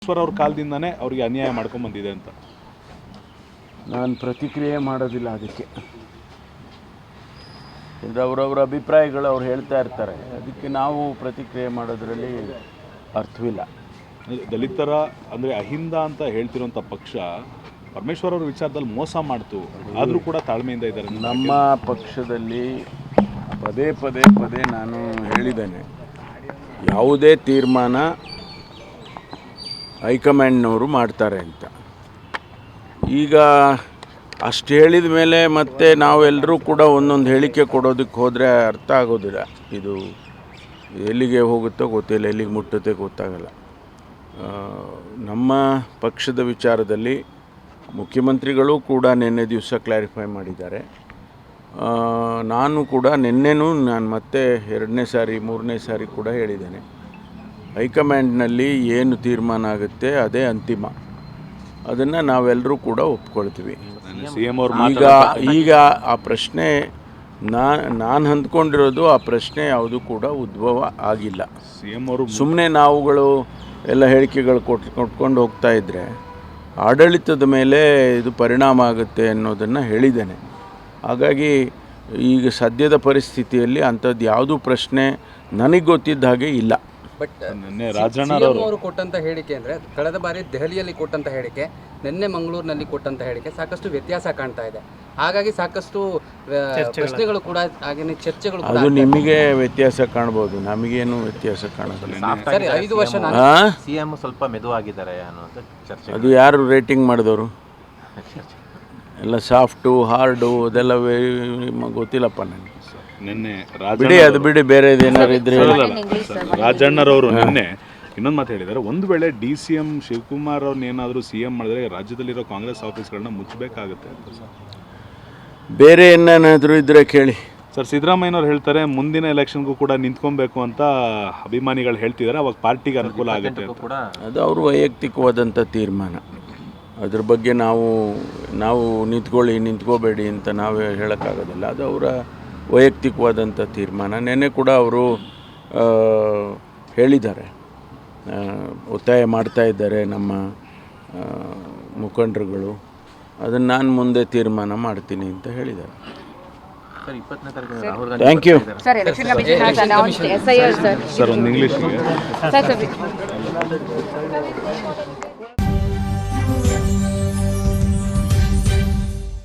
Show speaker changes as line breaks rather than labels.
ಅವ್ರ ಕಾಲದಿಂದನೇ ಅವರಿಗೆ ಅನ್ಯಾಯ ಮಾಡ್ಕೊಂಡು ಬಂದಿದೆ ಅಂತ
ನಾನು ಪ್ರತಿಕ್ರಿಯೆ ಮಾಡೋದಿಲ್ಲ ಅದಕ್ಕೆ. ಅಂದರೆ ಅವರವರ ಅಭಿಪ್ರಾಯಗಳು ಅವ್ರು ಹೇಳ್ತಾ ಇರ್ತಾರೆ, ಅದಕ್ಕೆ ನಾವು ಪ್ರತಿಕ್ರಿಯೆ ಮಾಡೋದರಲ್ಲಿ ಅರ್ಥವಿಲ್ಲ.
ದಲಿತರ ಅಂದರೆ ಅಹಿಂದ ಅಂತ ಹೇಳ್ತಿರೋಂಥ ಪಕ್ಷ ಪರಮೇಶ್ವರ್ ಅವ್ರ ವಿಚಾರದಲ್ಲಿ ಮೋಸ ಮಾಡ್ತು, ಆದರೂ ಕೂಡ ತಾಳ್ಮೆಯಿಂದ ಇದ್ದಾರೆ.
ನಮ್ಮ ಪಕ್ಷದಲ್ಲಿ ಪದೇ ಪದೇ ಪದೇ ನಾನು ಹೇಳಿದ್ದೇನೆ, ಯಾವುದೇ ತೀರ್ಮಾನ ಹೈಕಮಾಂಡ್ನವರು ಮಾಡ್ತಾರೆ ಅಂತ. ಈಗ ಅಷ್ಟು ಹೇಳಿದ ಮೇಲೆ ಮತ್ತೆ ನಾವೆಲ್ಲರೂ ಕೂಡ ಒಂದೊಂದು ಹೇಳಿಕೆ ಕೊಡೋದಕ್ಕೆ ಹೋದರೆ ಅರ್ಥ ಆಗೋದಿಲ್ಲ. ಇದು ಎಲ್ಲಿಗೆ ಹೋಗುತ್ತೋ ಗೊತ್ತಿಲ್ಲ, ಎಲ್ಲಿಗೆ ಮುಟ್ಟುತ್ತೆ ಗೊತ್ತಾಗಲ್ಲ. ನಮ್ಮ ಪಕ್ಷದ ವಿಚಾರದಲ್ಲಿ ಮುಖ್ಯಮಂತ್ರಿಗಳು ಕೂಡ ನಿನ್ನೆ ದಿವಸ ಕ್ಲಾರಿಫೈ ಮಾಡಿದ್ದಾರೆ. ನಾನು ಕೂಡ ನಾನು ಮತ್ತೆ 2ನೇ ಸಾರಿ 3ನೇ ಸಾರಿ ಕೂಡ ಹೇಳಿದ್ದೇನೆ, ಹೈಕಮಾಂಡ್ನಲ್ಲಿ ಏನು ತೀರ್ಮಾನ ಆಗುತ್ತೆ ಅದೇ ಅಂತಿಮ, ಅದನ್ನು ನಾವೆಲ್ಲರೂ ಕೂಡ ಒಪ್ಕೊಳ್ತೀವಿ. ಈಗ ಆ ಪ್ರಶ್ನೆ ನಾನು ಅಂದ್ಕೊಂಡಿರೋದು, ಆ ಪ್ರಶ್ನೆ ಯಾವುದು ಕೂಡ ಉದ್ಭವ ಆಗಿಲ್ಲ. ಸುಮ್ಮನೆ ನಾವುಗಳು ಎಲ್ಲ ಹೇಳಿಕೆಗಳು ಕೊಟ್ಕೊಂಡು ಹೋಗ್ತಾ ಇದ್ದರೆ ಆಡಳಿತದ ಮೇಲೆ ಇದು ಪರಿಣಾಮ ಆಗುತ್ತೆ ಅನ್ನೋದನ್ನು ಹೇಳಿದ್ದೇನೆ. ಹಾಗಾಗಿ ಈಗ ಸದ್ಯದ ಪರಿಸ್ಥಿತಿಯಲ್ಲಿ ಅಂಥದ್ದು ಯಾವುದೂ ಪ್ರಶ್ನೆ ನನಗೆ ಗೊತ್ತಿದ್ದ ಹಾಗೆ ಇಲ್ಲ.
ಬಟ್ ಅವರು ಕೊಟ್ಟಂಥ ಹೇಳಿಕೆ ಅಂದರೆ ಕಳೆದ ಬಾರಿ ದೆಹಲಿಯಲ್ಲಿ ಕೊಟ್ಟಂಥ ಹೇಳಿಕೆ, ನಿನ್ನೆ ಮಂಗಳೂರಿನಲ್ಲಿ ಕೊಟ್ಟಂಥ ಹೇಳಿಕೆ ಸಾಕಷ್ಟು ವ್ಯತ್ಯಾಸ ಕಾಣ್ತಾ ಇದೆ. ಹಾಗಾಗಿ ಸಾಕಷ್ಟು ಪ್ರಶ್ನೆಗಳು ಕೂಡ ಹಾಗೆಯೇ ಚರ್ಚೆಗಳು
ಅದು ನಿಮಗೆ ವ್ಯತ್ಯಾಸ ಕಾಣ್ಬೋದು, ನಮಗೇನು ವ್ಯತ್ಯಾಸ ಕಾಣೋದಿಲ್ಲ.
5 ವರ್ಷ
ಸಿಎಂ ಸ್ವಲ್ಪ ಮೆದುವಾಗಿದ್ದಾರೆ ಅನ್ನೋದು ಚರ್ಚೆ.
ಅದು ಯಾರು ರೇಟಿಂಗ್ ಮಾಡಿದವರು? ಎಲ್ಲ ಸಾಫ್ಟು ಹಾರ್ಡು ಅದೆಲ್ಲ ಗೊತ್ತಿಲ್ಲಪ್ಪ ನನಗೆ.
ನಿನ್ನೆ
ಬಿಡಿ ಬೇರೆದೇನಾದ್ರು ಇದ್ರೆ
ರಾಜಣ್ಣರವರು ನಿನ್ನೆ ಇನ್ನೊಂದು ಮಾತು ಹೇಳಿದ್ದಾರೆ, ಒಂದು ವೇಳೆ DCM ಶಿವಕುಮಾರ್ ಅವ್ರನ್ನ ಏನಾದರೂ CM ಮಾಡಿದ್ರೆ ರಾಜ್ಯದಲ್ಲಿರೋ ಕಾಂಗ್ರೆಸ್ ಆಫೀಸ್ಗಳನ್ನ ಮುಚ್ಚಬೇಕಾಗುತ್ತೆ ಅಂತ.
ಬೇರೆ ಏನಾದರೂ ಇದ್ರೆ ಕೇಳಿ
ಸರ್. ಸಿದ್ದರಾಮಯ್ಯನವ್ರು ಹೇಳ್ತಾರೆ ಮುಂದಿನ ಎಲೆಕ್ಷನ್ಗೂ ಕೂಡ ನಿಂತ್ಕೊಬೇಕು ಅಂತ ಅಭಿಮಾನಿಗಳು ಹೇಳ್ತಿದ್ದಾರೆ, ಅವಾಗ ಪಾರ್ಟಿಗೆ ಅನುಕೂಲ ಆಗುತ್ತೆ ಅಂತ.
ಅದು ಅವ್ರ ವೈಯಕ್ತಿಕವಾದಂಥ ತೀರ್ಮಾನ. ಅದ್ರ ಬಗ್ಗೆ ನಾವು ನಿಂತ್ಕೋಬೇಡಿ ಅಂತ ನಾವೇ ಹೇಳೋಕ್ಕಾಗೋದಿಲ್ಲ. ಅದು ಅವರ ವೈಯಕ್ತಿಕವಾದಂಥ ತೀರ್ಮಾನ. ನೆನ್ನೆ ಕೂಡ ಅವರು ಹೇಳಿದ್ದಾರೆ, ಒತ್ತಾಯ ಮಾಡ್ತಾ ಇದ್ದಾರೆ ನಮ್ಮ ಮುಖಂಡರುಗಳು, ಅದನ್ನು ನಾನು ಮುಂದೆ ತೀರ್ಮಾನ ಮಾಡ್ತೀನಿ ಅಂತ ಹೇಳಿದ್ದಾರೆ. Thank you
sir. ಒಂದು ಇಂಗ್ಲೀಷ್ಗೆ